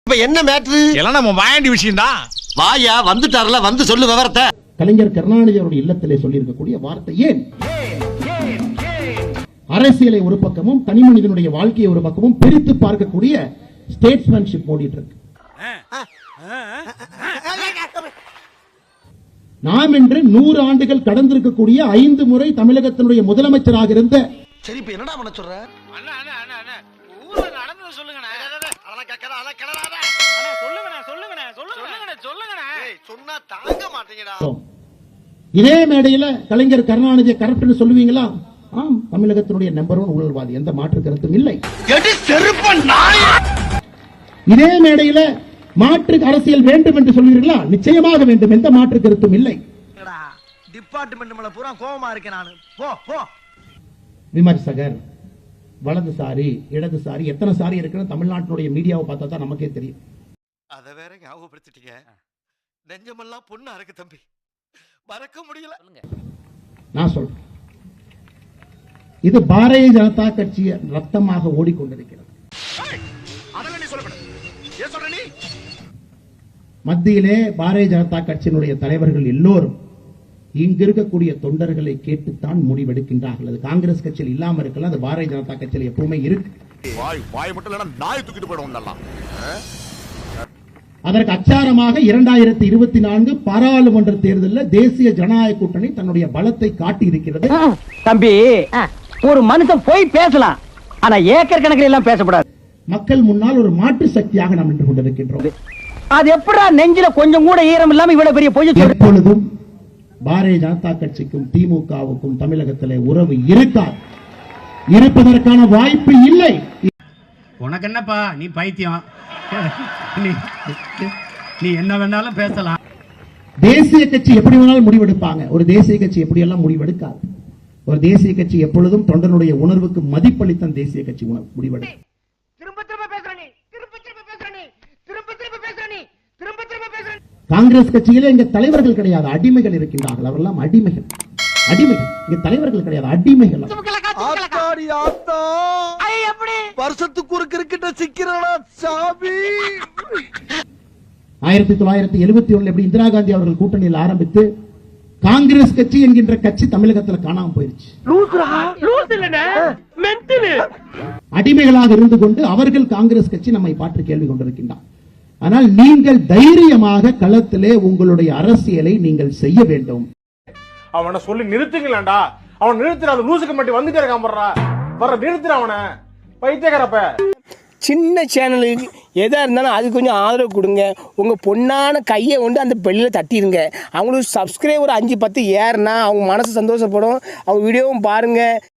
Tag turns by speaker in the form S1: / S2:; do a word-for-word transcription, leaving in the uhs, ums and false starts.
S1: இப்ப என்ன மேட்ரு?
S2: எல்லாம் நம்ம வாயண்டி விஷயம் தான்.
S1: வாயா வந்துட்டார்ல, வந்து சொல்லு விவரத்தை.
S3: கலைஞர் கருணாநிதி அவருடைய இல்லத்திலே சொல்லி இருக்கக்கூடிய வார்த்தை ஏன்? அரசியலை ஒரு பக்கமும் தனி மனிதனுடைய வாழ்க்கையை ஒரு பக்கமும் பிரித்து பார்க்கக்கூடிய ஸ்டேட்ஸ்மேன்ஷிப் ஓடிட்டு இருக்கு. நாம் என்று நூறு ஆண்டுகள் கடந்திருக்கக்கூடிய ஐந்து முறை தமிழகத்தினுடைய முதலமைச்சராக இருந்த
S1: சரி இப்ப என்னடா பண்ண சொல்ற?
S2: அண்ணா அண்ணா அண்ணா அண்ணா ஊர்ல நடந்து சொல்லுங்கண்ணே.
S1: அதெல்லாம் கேட்கற அதெல்லாம் கிளறாத.
S2: அண்ணா சொல்லுங்கண்ணே சொல்லுங்கண்ணே சொல்லுங்கண்ணே சொல்லுங்கண்ணே.
S1: ஏய் சொன்னா தாங்க மாட்டீங்கடா.
S3: இதே மேடையில கலைஞர் கருணாநிதியை கரெக்ட்னு சொல்லுவீங்களா? ஆம், தமிழகத்தினுடைய நம்பர் ஒன் ஊழல்வாதி, எந்த மாற்று கருத்தும் இல்லை. இதே மேடையில மாற்று அரசியல் வேண்டும் என்று சொல்வீர்களா? நிச்சயமாக வேண்டும், எந்த மாற்று கருத்தும் இல்லை.
S1: டிபார்ட்மெண்ட் மேல பூரா கோவமா இருக்கேன் நானு. போ போ.
S3: விமர்சகர் வலதுசாரி இடதுசாரி எத்தனை சாரி இருக்குன்னு தமிழ்நாட்டினுடைய மீடியாவை பார்த்தா தான் நமக்கே தெரியும்.
S1: அத வேற ஞாபகப்படுத்திட்டீங்க. நெஞ்சமெல்லாம் பொண்ணா இருக்கு தம்பி, மறக்க முடியல.
S3: நான் சொல்றேன், இது பாரதிய ஜனதா கட்சி ரத்தமாக ஓடிக்கொண்டிருக்கிறது. மத்தியிலே பாரதிய ஜனதா கட்சியினுடைய தலைவர்கள் எல்லோரும் இங்க இருக்கக்கூடிய தொண்டர்களை கேட்டுத்தான் முடிவெடுக்கின்றார்கள். அது காங்கிரஸ் கட்சியில் இல்லாம இருக்கலாம், அது பாரதிய ஜனதா கட்சியில் எப்பவுமே இருக்கு. அதற்கு அச்சாரமாக இரண்டாயிரத்தி இருபத்தி நான்கு பாராளுமன்ற தேர்தலில் தேசிய ஜனநாயக கூட்டணி தன்னுடைய பலத்தை காட்டி இருக்கிறது.
S4: தம்பி, ஒரு மனுஷன் போய் பேசலாம், ஆனா ஏக்கர் கணக்கில் எல்லாம் பேசக்கூடாது.
S3: மக்கள் முன்னால் ஒரு மாற்று சக்தியாக நாம் நின்று கொண்டிருக்கின்றோம்.
S4: அது எப்படா நெஞ்சில கொஞ்சம் கூட ஈரம் இல்லாம இவ்வளவு பெரிய பொய்?
S3: எப்பொழுதும் பாரதிய ஜனதா கட்சிக்கும் திமுகவுக்கும் தமிழகத்திலே உறவு இருக்காது, இருப்பதற்கான வாய்ப்பு இல்லை.
S5: உனக்கு என்னப்பா, நீ பைத்தியம், நீ என்ன வேணாலும் பேசலாம்.
S3: தேசிய கட்சி எப்படி வேணாலும் முடிவெடுப்பாங்க, ஒரு தேசிய கட்சி எப்படி எல்லாம் முடிவெடுக்காது. ஒரு தேசிய கட்சி எப்பொழுதும் தொண்டனுடைய உணர்வுக்கு மதிப்பளித்தான் தேசிய கட்சி முடிவெடுக்கும். காங்கிரஸ் கட்சியிலே இங்க தலைவர்கள் கிடையாது, அடிமைகள் இருக்கின்றார்கள். அவரெல்லாம் அடிமைகள், அடிமைகள். இங்க தலைவர்கள் கிடையாது, அடிமைகள்.
S1: வருஷத்துக்கு ஒரு கிரிக்கெட்ட சிக்கிறா சாமி.
S3: ஆயிரத்தி தொள்ளாயிரத்தி எழுபத்தி ஒண்ணுல எப்படி இந்திரா காந்தி அவர்கள் கூட்டணியில் ஆரம்பித்து காங்கிரஸ் கட்சி என்கின்ற கட்சி தமிழகத்தில் காணாம போயிருச்சு. அடிமைகளாக இருந்து கொண்டு அவர்கள் காங்கிரஸ் கட்சி நம்மை பாற்று கேள்வி கொண்டிருக்கின்றார். ஆனால் நீங்கள் தைரியமாக களத்திலே உங்களுடைய அரசியலை நீங்கள் செய்ய வேண்டும்.
S6: அவனை சொல்லி நிறுத்துங்களா? அவன் நிறுத்துற, அது லூசுக்கு மட்டும் வந்துட்டே இருக்கான். வர நிறுத்துற அவனை, பைத்தியக்காரப்ப.
S7: சின்ன சேனலுக்கு எதாக இருந்தாலும் அது கொஞ்சம் ஆதரவு கொடுங்க. உங்கள் பொண்ணான கையை கொண்டு அந்த பெல்லில் தட்டிடுங்க. அவங்களுக்கு சப்ஸ்கிரைபர் அஞ்சு பத்து ஏறுனா அவங்க மனசு சந்தோஷப்படும். அவங்க வீடியோவும் பாருங்கள்.